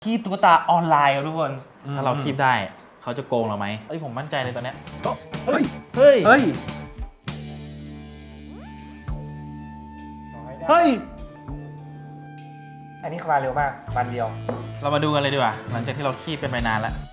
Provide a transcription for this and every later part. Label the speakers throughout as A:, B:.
A: คีบตุ๊กตาออนไลน์ครับทุกคน
B: ถ้าเราคีบได้เขาจะโกงเราไหมผมมั่นใจเลยตอนเนี้ย
A: เฮ้ย
B: เฮ้ย
A: เฮ้ย เฮ้ย
C: อันนี้มาเร็วมากวันเดียว
B: เรามาดูกันเลยดีกว่าหลังจากที่เราคีบกันไปนานแล้ว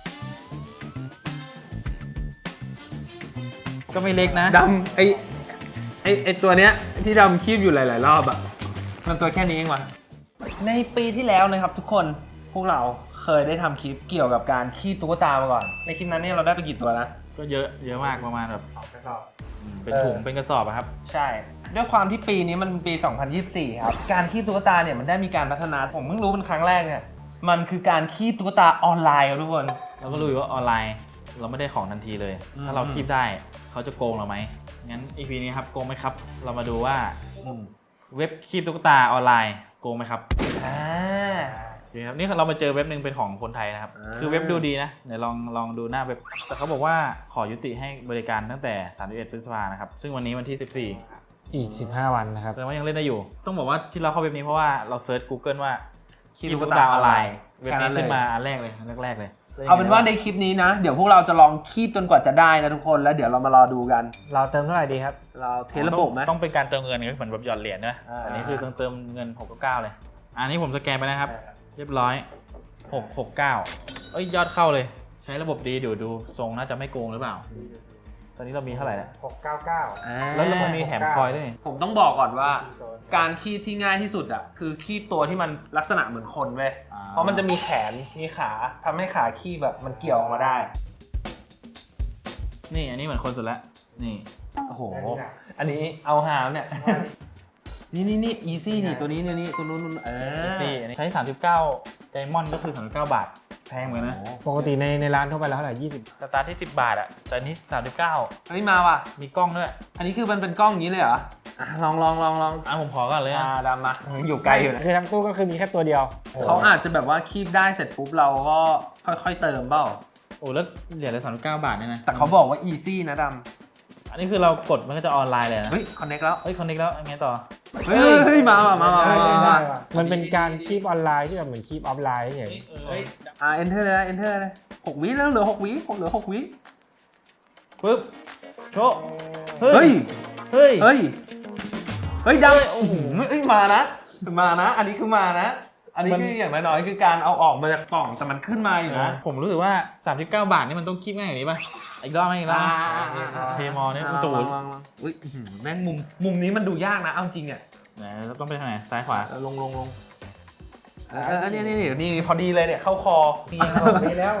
B: ก็ไม่เล็กนะ
C: ดำไอตัวเนี้ยที่ดำคีบอยู่หลายๆรอบอ่ะมันตัวแค่นี้เองวะ
A: ในปีที่แล้วนะครับทุกคนพวกเราเคยได้ทำคลิปเกี่ยวกับการคีบตุ๊กตามาก่อนในคลิปนั้นเนี่ยเราได้ไปกี่ตัวนะ
B: ก็เยอะมากประมาณแบบ
C: กระสอบ
B: เป็นถุงเป็นกระสอบอะครับ
A: ใช่ด้วยความที่ปีนี้มันเป็นปี 2024 ครับการคีบตุ๊กตาเนี่ยมันได้มีการพัฒนาผมเพิ่งรู้เป็นครั้งแรกเนี่ยมันคือการคีบตุ๊กตาออนไลน์ครับทุกคน
B: เราก็รู้อยู่ว่าออนไลน์เราไม่ได้ของทันทีเลย ถ้าเราคีบได้เขาจะโกงเราไหมงั้น EP นี้ครับโกงไหมครับ เรามาดูว่าเว็บคีบตุ๊กตาออนไลน์โกงไหมครับ
A: อ่า
B: จริงครับนี่เรามาเจอเว็บหนึ่งเป็นของคนไทยนะครับคือเว็บดูดีนะเดี๋ยวลองดูหน้าเว็บแต่เขาบอกว่าขอยุติให้บริการตั้งแต่31 พฤษภาคมนะครับซึ่งวันนี้วันที่ 14
C: อีก15 วันนะครับ
B: แสดงว่ายังเล่นได้อยู่ ต้องบอกว่าที่เราเข้าเว็บนี้เพราะว่าเราเซิร์ช Google ว่าคีบตุ๊กตาออนไลน์เว็บนี้ขึ้นมาอันแรกเลยเลย
A: เอาเป็นว่าในคลิปนี้นะเดี๋ยวพวกเราจะลองคีบจนกว่าจะได้นะทุกคนแล้วเดี๋ยวเรามารอดูกัน
C: เราเติมเท่าไหร่ดีครับ
A: เราเทสระบบไหม
B: ต้องเป็นการเติมเงินเหมือนแบบหยอดเหรียญนะ อันนี้คือเติมเงิน699เลยอันนี้ผมสแกนไปนะครับเรียบร้อย669เอ้ยยอดเข้าเลยใช้ระบบดีดูทรงน่าจะไม่โกงหรือเปล่าตอนนี้เรามีเท่าไหร่แล้วแล้วเรามีแถมคอยด้วยนี่
A: ผมต้องบอกก่อนว่าการคีบที่ง่ายที่สุดอ่ะคือคีบตัวที่มันลักษณะเหมือนคนเว้ยเพราะมันจะมีแขนมีขาทำให้ขาคีบแบบมันเกี่ยวออกมาได้
B: นี่อันนี้เหมือนคนสุดแล้วนี่
A: โอ้โหอันนี้เอาหามเนี่ยนี่อีซี่นี่ตัวนี้นี่ตัวนู้น
B: ซี่อันนี้ใช้39ไดมอนด์ก็คือ39 บาทแพงเหมือนกันนะ
C: ปกติในร้านทั่วไปแล้วเท่าไหร่
B: สตาร์ทที่10 บาทอ่ะแต่อันนี้39
A: อันนี้มาว่ะ
B: มีกล้องด้วย
A: อันนี้คือมันเป็นกล้องอย่างนี้เลยเหรออ่ะลอง
B: ผมขอก่อนเลย
A: ดำมาอยู่ไกลอยู่นะ
C: คือทั้งตู้ก็คือมีแค่ตัวเดียว
A: เขาอาจจะแบบว่าคีบได้เสร็จปุ๊บเราก็ค่อยๆเติมเปล่า
B: โอ้แล้วเหรียญละ39 บาทเนี่ยนะ
A: แต่เขาบอกว่าอีซี่นะด
B: อันนี้คือเรากดมันก็จะออนไลน์เลยนะ
A: ำเฮ้ยคอนเน็กแล้ว
B: เฮ้ยคอนเน็กแล้วยังไงต่อ
A: เฮ้ยมา
C: มันเป็นการคีบออนไลน์ที่แบบเหมือนคีบออฟไลน์เฉย
A: enter เลยนะ enter เลย6 วิแล้วเหลือ6 วิเหลือ6 วิ
B: ปึ๊บโชะ
A: เฮ้ย
B: เฮ้ย
A: เฮ้ยดำโอ้โหเฮ้ยมานะอันนี้คือมานะ อันนี้คืออย่างน้อยๆคือการเอาออกมาจากกล่องแต่มันขึ้นมาอยู่นะ
B: ผมรู้สึกว่า39 บาทนี่มันต้องคีบง่ายอย่างนี้ป่ะอีกรอบไหมอีกรอบเทมอเนี่ยมันตูด
A: อุ้ยแม่งมุมนี้มันดูยากนะเอาจริงอ่ะ
B: นะแล้วต้องไปทางไหนซ้ายขวา
A: ลงอันนี้พอดีเลยเนี่ยเข้าคอ
C: มีแล้ว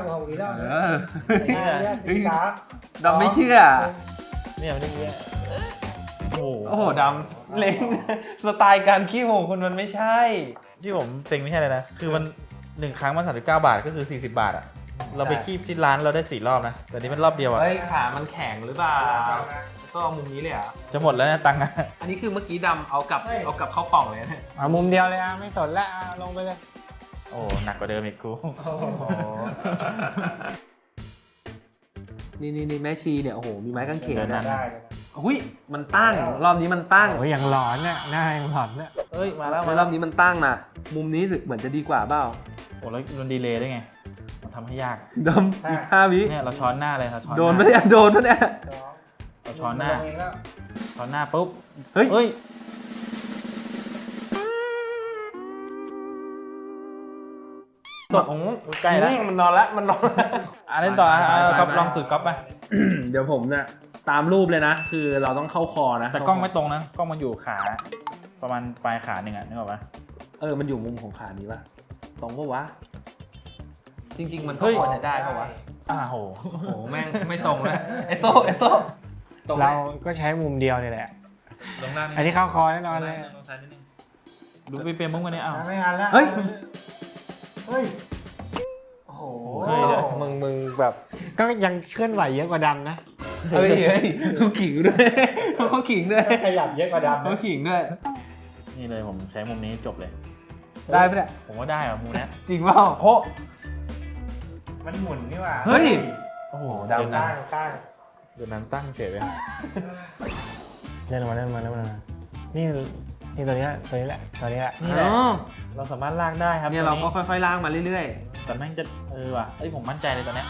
A: ดำไม่เชื่อ
B: เนี่ยมันนี่โอ้
A: โอ้โหดำเล้งสไตล์การขี้โมงคุณมันไม่ใช่
B: ที่ผมเซ็งไม่ใช่เลยนะคือมัน1 ครั้งมัน39 บาทก็คือ40 บาทอ่ะเราไปคีบที่ร้านเราได้4 รอบนะแต่นี้มันรอบเดียวอ่ะ
A: เฮ้ยขามันแข็งหรือเปล่าก็เอามุมนี้เลยอ่ะ
B: จะหมดแล้วนะตังค์อะ
A: อันนี้คือเมื่อกี้ดำเอากลับเข้ากล่องเลยเนี่ย
C: เอามุมเดียวเลยอ่ะไม่สนแล้วลงไปเลย
B: โอ้หนักกว่าเดิมอีกกู
A: นี่แม่ชีเนี่ยโอ้โหมีไม้กางเขน
B: ได้
A: นะหุ้ยมันตั้งรอบนี้มันตั้ง
C: โอ้ยอย่างหลอนน่ะหน้าอย่างหลอนน่ะ
B: เอ้ยมาแล้ว
A: รอบนี้มันตั้งนะมุมนี้เหมือนจะดีกว่าเปล่า
B: โอ้แล้วมันดีเลย์ได้ไงมันทำให้ยาก
A: ดำอีก5 วิ
B: เนี่ยเราช้อนหน้าเลยเราช้อน
A: โดนปะเนี่ย
B: เราช้อนหน้าปุ๊บ
A: เฮ้ย
B: เฮ้ยตกใกล้แล้ว
A: มันนอนแล้ว
B: เล่นต่อก๊อฟลองสูตรก๊อฟไป
A: เดี๋ยวผมเนี่ยตามรูปเลยนะ คือเราต้องเข้าคอนะ
B: แต่กล้องไม่ตรงนะกล้องมันอยู่ขาประมาณปลายขาหนึ่งอ่ะนึกออกปะ
A: มันอยู่มุมของขานี้ปะตรงปะวะจริง ๆ มันก็
B: เฮ้ย
A: ควรจะได้ปะวะ
B: โห
A: โอ้โหแม่งไม่ตรงเลยเอสโซตรงไหม
C: เราก็ใช้มุมเดียวนี่แหละ
B: ลงหน้า
C: อันนี้เข้าคอแน่นอนเลย
B: ลงซ้ายนิดนึงดูไปเปลี่ยนมุ้งกันเนี่ย
C: ไม่ทันแล้ว
A: เฮ้ย
C: โอ้โห
B: เฮ้ย
C: มึงแบบก็ยังเคลื่อนไหวเยอะกว่าดำนะ
A: เฮ้ยเขาขิงด้วยเขาขิงด้วย
C: ขยับเยอะกว่าดำ
A: เขาขิงด้วย
B: นี่เลยผมใช้มุมนี้จบเลย
A: ได้ปะเนี่ย
B: ผมว่าได้อะมุมเนี้ย
A: จริงเปล่า
B: โพ
C: มันหมุนนี่หว่า
A: เฮ้ย
B: โอ้โห
C: ตั้
B: เดินน้
C: ง
B: ำเดินน้ำตั้งเฉยเลย
C: เล่นมานี่ตัวนี้แหละตัวนี้แหละ
B: นี่แหละเราสามารถลากได้ครับ
A: เนี่ยเราก็ค่อยๆล่างมาเรื่อย
B: ใช่แต่แม่งจะว่ะผมมั่นใจเลยตอนเนี้ย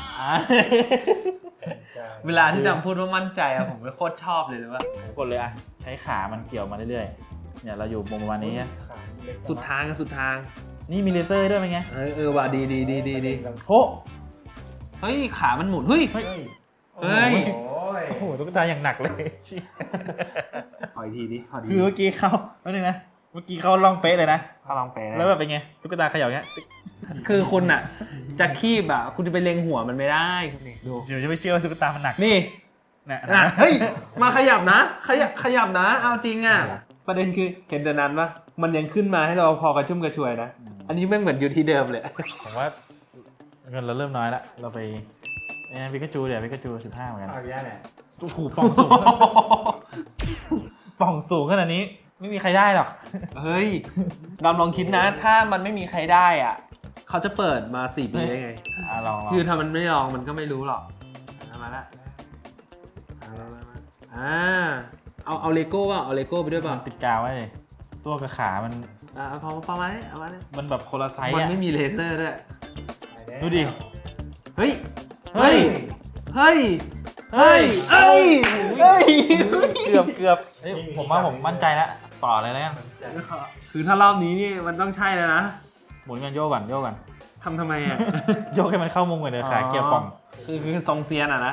C: เวลาที่ดำพูดว่ามั่นใจอะผมไม่โคตรชอบเลยว่า
B: กดเลยอะใช้ขามันเกี่ยวมาเรื่อยๆเนี่ยเราอยู่มุมประมาณนี้
C: สุดทางสุดทาง
B: นี่มีเลเซอร์ด้วยเป็นไง
C: ว่ะดี
B: โอ้
C: เฮ้ยขามันหมุนเฮ้ย
B: เฮ้ย
C: เฮ้ย
B: โอ้โหตุ๊กตาอย่างหนักเลย
C: ขออีกทีดิขอดี
B: คือเมื่อกี้เขาแล้วนึงนะเมื่อกี้เขาลองเป๊ะเลยนะ
C: เขาลองไปนะ
B: แล้วแบบเป็นไงตุ๊กตาเขย่าเงี้ย
C: คือคุณอะจะคีบอะคุณจะไปเล็งหัวมันไม่ได้นี่ดู
B: เดี๋ยวจะไม่เชื่อว่าตุ๊กตามันหนัก
C: นี่
B: เนี่ย
C: นะเฮ้ยมาขยับนะขยับนะเอาจริงอะประเด็นคือเห็นแต่นั้นปะมันยังขึ้นมาให้เราพอกระชุ่มกระชวยนะอันนี้แม่งเหมือนอยู่ที่เดิมเลย
B: ผมว่าเงินเราเริ่มน้อยละเราไปพิกาจูเดี๋ยวพิกาจู15เหมือนกัน
C: เอาแย่แหละ
B: โอ้โหป่องสูง ป่องสูงขนาดนี้ไม่มีใครได้หรอก
C: เฮ้ยดำลองคิดนะ ถ้ามันไม่มีใครได้อ่ะเขาจะเปิดมา4 ปีได้ไง
B: ลอง
C: คือถ้ามันไม่ลองมันก็ไม่รู้หรอกมาละเอาเลโก้ป่ะเอาเลโก้ไปด้วยป่ะ
B: มันติดกาวไว้เลยตัวกับขามัน
C: พอประมาณนี้เอามาเนี่ย
B: มันแบบคนละไซส์
C: มัน
B: อ่ะ
C: ไม่มีเลเซอร์ด้วย
B: ดูดิ
C: เฮ้ยเฮ้ยเฮ้ยเฮ้ยเฮ้ยเฮ้ย
B: เกือบผมว่าผมมั่นใจแล้วต่อเลยแล้วกัน
C: คือถ้ารอบนี้นี่มันต้องใช่แล้วนะ
B: หมุนกันโยกก่อนโยกก่อน
C: ทำไมอ่ะ
B: โยกให้มันเข้ามุมก่อนเดี๋ยวขาเกี่ยวป่อง
C: คือทรงเซียนอ่ะนะ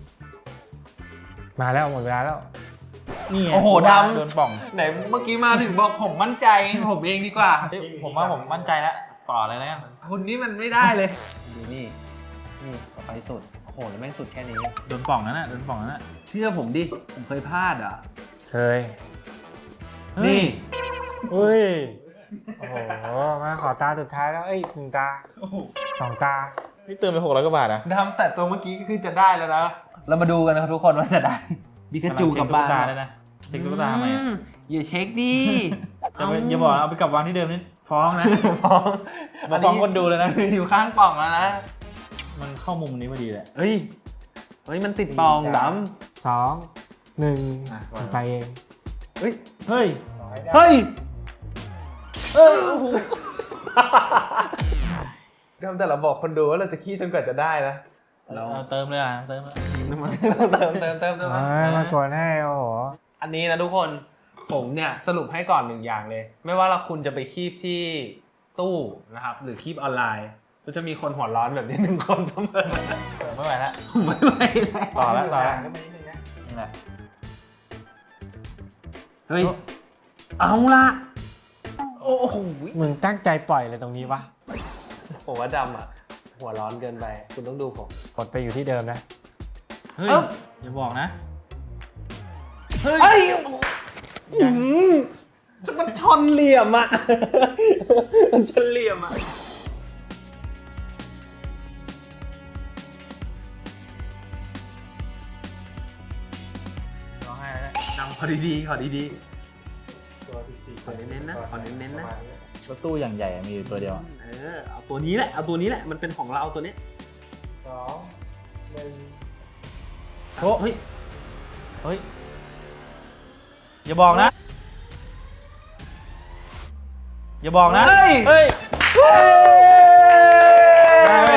D: มาแล้วหมดเวลาแล้ว
B: นี่ไง
C: โอ้โหดำ
B: โดนป่อง
C: ไหนเมื่อกี้มาถึงบอกผมมั่นใจผมเองดีกว่า
B: ผมว่าผมมั่นใจแล้วต่อเลยแล้วกัน
C: คุณนี่มันไม่ได้เลยดูนี่ต่อไปสุดโอ้โหแล้วแม่งสุดแค่นี้
B: โดนป่องนั่นน่ะโดนป่องนั่นน่ะ
C: เชื่อผมดิผมเคยพลาดอ่ะ
D: เคย
C: นี่
D: เฮ้ย โอ้โห มาขอตาสุดท้ายแล้ว เอ้ย1 ตา 2 ตา
B: นี่เติมไป600 กว่าบาทอ่ะ
C: ทำแต่ตัวเมื่อกี้ก็คือจะได้แล้วนะเรามาดูกันนะครับทุกคนว่าจะได้บิกาจูกับบ้าน
B: ตาได้นะเช็คตุ๊กตาทำไมอะ
C: อย่าเช็คดิ
B: อย่าบอกเอาไปกลับวางที่เดิมนี่ฟ้องนะ
C: ฟ้อง
B: มาฟ้องคนดูเลยนะ
C: อยู่ข้างปล่องแล้วนะ
B: มันเข้ามุมนี้พอดีแหละ
C: เฮ้ยมันติดปล่องด
D: 2 1ไปเอง
B: เฮ้ย
C: ำเฮ้ยทำแต่เราบอกคนดูว่าเราจะขี้จนกว่าจะได้นะ
B: เราเติมเลยอ่ะเติมเลย
C: เติม
D: มากดให้โอ้โห
C: อันนี้นะทุกคนผมเนี่ยสรุปให้ก่อน1 อย่างเลย ไม่ว่าคุณจะไปคีบที่ตู้นะครับหรือคีบออนไลน์ก็จะมีคนหัวร้อนแบบนี้1 คนเสมอ
B: ไม่ไหวแล้ว
C: ไม่ไหวแล้ว
B: ต่อแล้วนี่แหละ
C: เฮ้ยเอาละโอ้โห
D: มึงตั้งใจปล่อยเลยตรงนี้วะ
C: ผมว่าดำอ่ะหัวร้อนเกินไปคุณต้องดูผม
D: กดไปอยู่ที่เดิมนะ
B: เฮ้ยอย่าบอกนะ
C: เฮ้ยมันชนเหลี่ยมอ่ะมันชนเหลี่ยมอ่ะ
B: ร้องไห้แล้ว
C: ดำขอดีๆขอดีๆขอเน้นๆนะขอเน้นๆนะ
B: รถตู้อย่างใหญ่มีอยู่ตัวเดียว
C: เอาตัวนี้แหละเอาตัวนี้แหละมันเป็นของเราตัวนี้
B: โอ้เฮ้ยเฮ้ยอย่าบอกนะอย่าบอกนะ
C: เฮ้ย
B: เฮ้ยได้เว้ย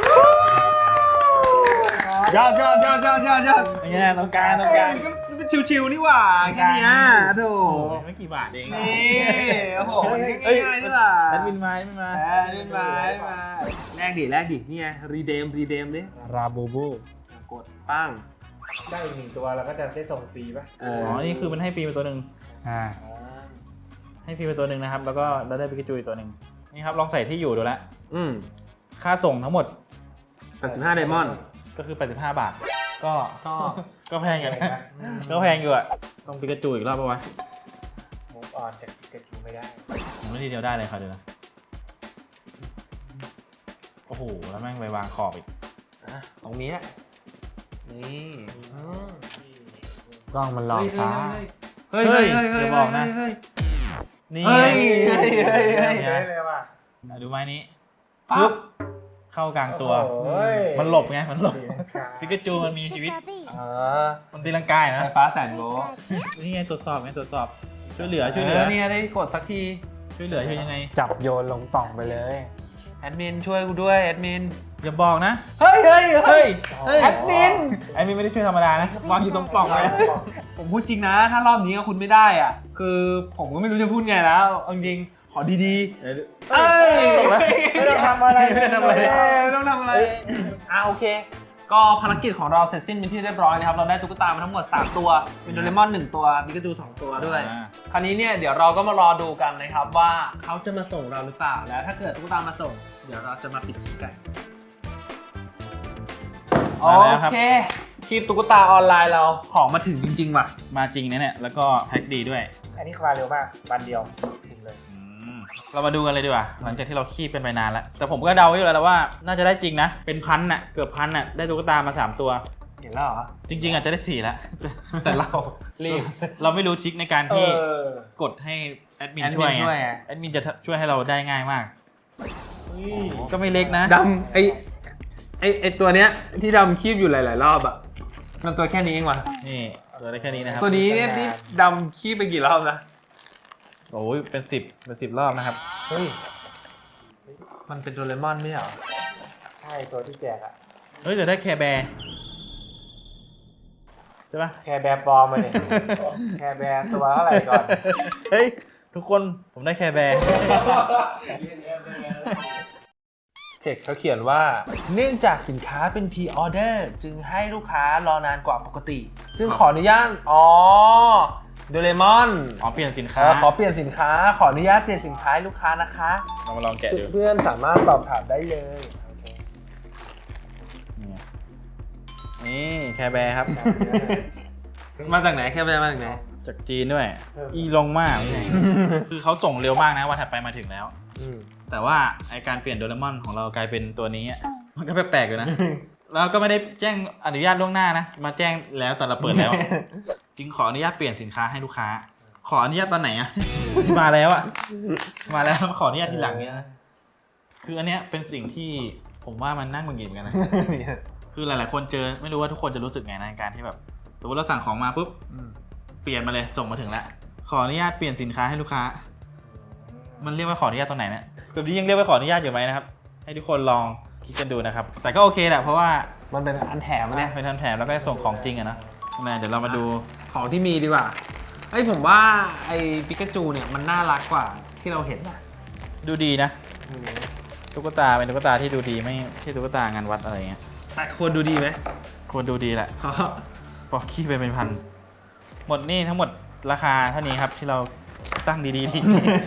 C: ยอด
B: เป็นไงตรงกลางตรงกลาง
C: มันชิวๆนี่หว่าแค่เนี้ยโถ
B: ไม่กี่บาทเอง
C: นี่โอ้โหง่ายๆนี่หว่า
B: แอดมินมาไม่มา
C: เล่นมาแลกดินี่ไงรีเดมดิ
D: ราบูบู
C: กดปั้ง
E: ได้อีก1 ตัวเราก็จะได้ส่งฟรีป่ะ
C: เอ
B: อ๋อนี่คือมันให้ฟรีไปตัวหนึ่ง ให้ฟรีไปตัวหนึ่งนะครับแล้วก็เราได้ปิกาจูอีกตัวหนึ่งนี่ครับลองใส่ที่อยู่ดูแล้ว ค่าส่งทั้งหมด
C: 85ไดมอนด์
B: ก็คือ85 บาทก็แพงอยู่นะก็แพงอยู่อะต้องปิกาจูอีกรอบป่ะวะ
E: มูฟออนจากปิกาจูไม่ได้
B: ผมไม่ทีเดียวได้เลยครับเดี๋ยวนะโอ้โหแล้วแม่งไปวางขอบอีก
C: ตรงนี้แหละนี่
D: กล้องมันหลอกฟ้า
C: เฮ้ย
B: อย่าบอกนะนี่
C: เฮ้ย
E: เลยว่ะ
B: ดูไม้นี้
C: ปั๊บ
B: เข้ากลางตัว
E: โอ้ย
B: มันหลบไงมันหลบปิกาจูมันมีชีวิตมันตีลังกาย
C: ไฟ
B: นะ
C: ฟ้าแสนโวลต์
B: นี่ไงตรวจสอบช่วยเหลือ
C: เนี่ยได้กดสักที
B: ช่วยเหลือช่วยยังไง
D: จับโยนลงป่องไปเลย
C: แอดมินช่วยกูด้วยแอดมิน
B: อย่าบอกนะ
C: เฮ้ยเฮ้ยเฮ้ย
B: แอดมินไม่ได้ช่วยธรรมดานะวางอยู่ตรงปล่องเลย
C: ผมพูดจริงนะ ถ้ารอบนี้คุณไม่ได้อ่ะ คือผมก็ไม่รู้จะพูดไงแล้วเอาจริงขอดีๆเอ้ย
E: ไม่ต้องทำอะไร
B: ไม่ได้ทำอะไร
C: ไม่ต้องทำอะไรโอเค ก็ภารกิจของเราเสร็จสิ้นเป็นที่เรียบร้อยนะครับ เราได้ตุ๊กตามาทั้งหมด 3 ตัว เป็นโดเรมอน 1 ตัวปิกาจู 2 ตัวด้วย คราวนี้เนี่ยเดี๋ยวเราก็มารอดูกันนะครับว่าเขาจะมาส่งเราหรือเปล่า แล้วถ้าเกิดตุ๊กตามาส่ง เดี๋ยวเราจะมาปิดคลิปกันโอ
B: มาแล้วครับ
C: เค คลิปตุ๊กตาออนไลน์เราของมาถึงจริงๆว่ะ
B: มาจริงนะเนี่ยแล้วก็แพ็คดีด้วย
E: อันนี้มาเร็วมากวันเดียวถึงเลย
B: เรามาดูกันเลยดีกว่าหลังจากที่เราคีบเป็นไปนานแล้วแต่ผมก็เดาไว้อยู่แล้วว่าน่าจะได้จริงนะเป็นพันน่ะเกือบพันน่ะได้ตุ๊กตามา3ตัว
C: เห็นแล้วเหรอ
B: จริงๆอาจจะได้4แล้ว
C: แต่เรารีบ
B: เราไม่รู้ทริคในการที่กดให้แอดมิน
C: แอดมิน
B: ช่วย
C: ช่วยไง
B: แอดมินจะช่วยให้เราได้ง่ายมากก็ไม่เล็กนะ
C: ดำไอตัวเนี้ยที่ดำคีบอยู่หลายๆรอบอ่ะมันตัวแค่นี้เองว่ะ
B: นี่ตัวได้แค่นี้นะครับ
C: ตัวนี้เนี่ยที่ดำคีบไปกี่รอบนะ
B: โอ้ยเป็น10รอบนะครับ
E: เฮ้ย
C: มันเป็นโดเรมอนไม่ใช่เหรอ
E: ใช่ตัวที่แจกอะ
B: เฮ้ยแต่ได้แคร์แบร์ใช่ปะ
E: แคร์แบร์ปลอมมาเนี่ยแคร์แบร์ตัวเท่าไหร่ก่อน
B: เฮ้ยทุกคนผมได้แคร์แบร์
C: เทคเขาเขียนว่าเนื่องจากสินค้าเป็นพรีออเดอร์จึงให้ลูกค้ารอนานกว่าปกติ จึงขออนุญาตโดเรมอน
B: อ๋อเปลี่ยนสินค้า
C: ขอเปลี่ยนสินค้าขออนุญาตเปลี่ยนสินค้าให้ลูกค้านะคะ
B: เรามาลองแกะดู
C: เพื่อนๆสามารถสอบถามได้เลยโอเค
B: นี่แคร์แบร์ครับ
C: มาจากไหนแค่ไปมาจากไหน
B: จากจีนด้วย อีลงมากนี่ไง คือเขาส่งเร็วมากนะวันถัดไปมาถึงแล้ว แต่ว่าไอการเปลี่ยนโดเรมอนของเรากลายเป็นตัวนี้อะมันก็แปลกๆอยู่นะ แล้วก็ไม่ได้แจ้งอนุญาตล่วงหน้านะ มาแจ้งแล้วตอนเราเปิดแล้ว จึงขออนุญาตเปลี่ยนสินค้าให้ลูกค้า ขออนุญาตตอนไหนอะ มาแล้วอะมาแล้วขออนุญาตทีหลังเนี้ยนะคืออันเนี้ยเป็นสิ่งที่ผมว่ามันน่าหงุดหงิดเหมือนกันนะ คือหลายๆคนเจอไม่รู้ว่าทุกคนจะรู้สึกไงในการที่แบบสมมติเราสั่งของมาปุ๊บเปลี่ยนมาเลยส่งมาถึงแล้วขออนุญาตเปลี่ยนสินค้าให้ลูกค้า มันเรียกว่าขออนุญาตตรงไหนเนี่ยแบบนี้ยังเรียกว่าขออนุญาตอยู่ไหมนะครับ ให้ทุกคนลองคิดกันดูนะครับ แต่ก็โอเคแหละเพราะว่า
C: มันเป็นอันแถมอะเนี่ย
B: เป็นทันแถมแล้วก็ส่งของจริงอะนะเดี๋ยวเรามาดู
C: ของที่มีดีกว่าไอ้ยผมว่าไอ้ปิกาจูเนี่ยมันน่ารักกว่าที่เราเห็นนะ
B: ดูดีนะตุ๊กตาเป็นตุ๊กตาที่ดูดีไม่ใช่ตุ๊กตางานวัดอะไรเงี้ย
C: แต่ควรดูดีไหม
B: ควรดูดีแหละปอกขี้ไปเป็นพันหมดนี่ทั้งหมดราคาเท่านี้ครับที่เราตั้งดีๆที่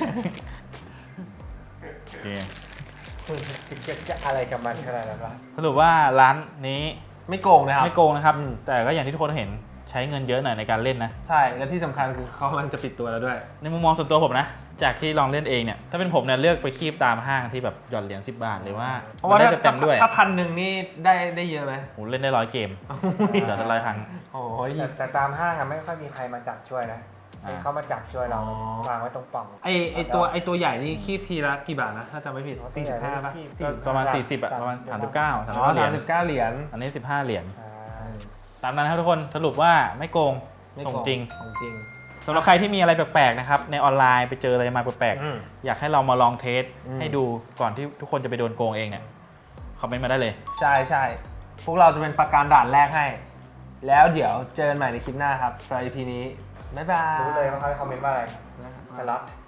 B: โอเค
E: จะอะไรกับมันขนาดนั้นวะ
B: สรุปว่าร้านนี้
C: ไม่โกงนะครับ
B: ไม่โกงนะครับ แต่ก็อย่างที่ทุกคนเห็นใช้เงินเยอะหน่อยในการเล่นนะ
C: ใช่และที่สำคัญคือเขากำลังจะปิดตัวแล้วด้วย
B: ในมุมมองส่วนตัวผมนะ จากที่ลองเล่นเองเนี่ย ถ้าเป็นผมเนี่ยเลือกไปคีบตามห้างที่แบบหย่อนเหรียญ10 บาทหรือว่า
C: เพราะว่า
B: ได้
C: ถ้า
B: เต็มๆด้วย
C: ถ้า1,000นี่ได้เยอะไหม
B: โหเล่นได้100 เกมเดี๋ยวจะ100 ครั้ง
C: โอ้ย
E: แต่ตามห้างอะไม่ค่อยมีใครมาจับช่วยนะ
B: อ่า
E: ให้เขามาจับช่วยเรา
C: อ๋อ
E: วางไว้ตรงปล่อง
C: ไอตัวใหญ่นี่คีบทีละกี่บาทนะ ถ้าจำไม่ผิด45ป่ะ
B: ประมาณ40อะประมาณ39
C: อ๋อ
B: 39เหรียญ
C: 39 เหรียญ
B: อันนี้15 เหรียญ
E: อ่า
B: ตามนั้นครับทุกคนสรุปว่าไม่โกง
C: ไม่
B: ส่ง
C: โก
B: จริง
C: ของจริง
B: สำหรับใครที่มีอะไรแปลกๆนะครับในออนไลน์ไปเจออะไรมาแปลก
C: อืม
B: ๆอยากให้เรามาลองเทส
C: อืม
B: ให้ดูก่อนที่ทุกคนจะไปโดนโกงเองเนี่ยคอมเมนต์มาได้เลย
C: ใช่ใช่พวกเราจะเป็นประการด่านแรกให้ แล้วเดี๋ยวเจอกันใหม่ในคลิปหน้าครับสำหรับ EP นี้ บ๊ายบาย
E: รู้เลยว่าเขาจะคอมเมนต์ว่าอะไรสล็อต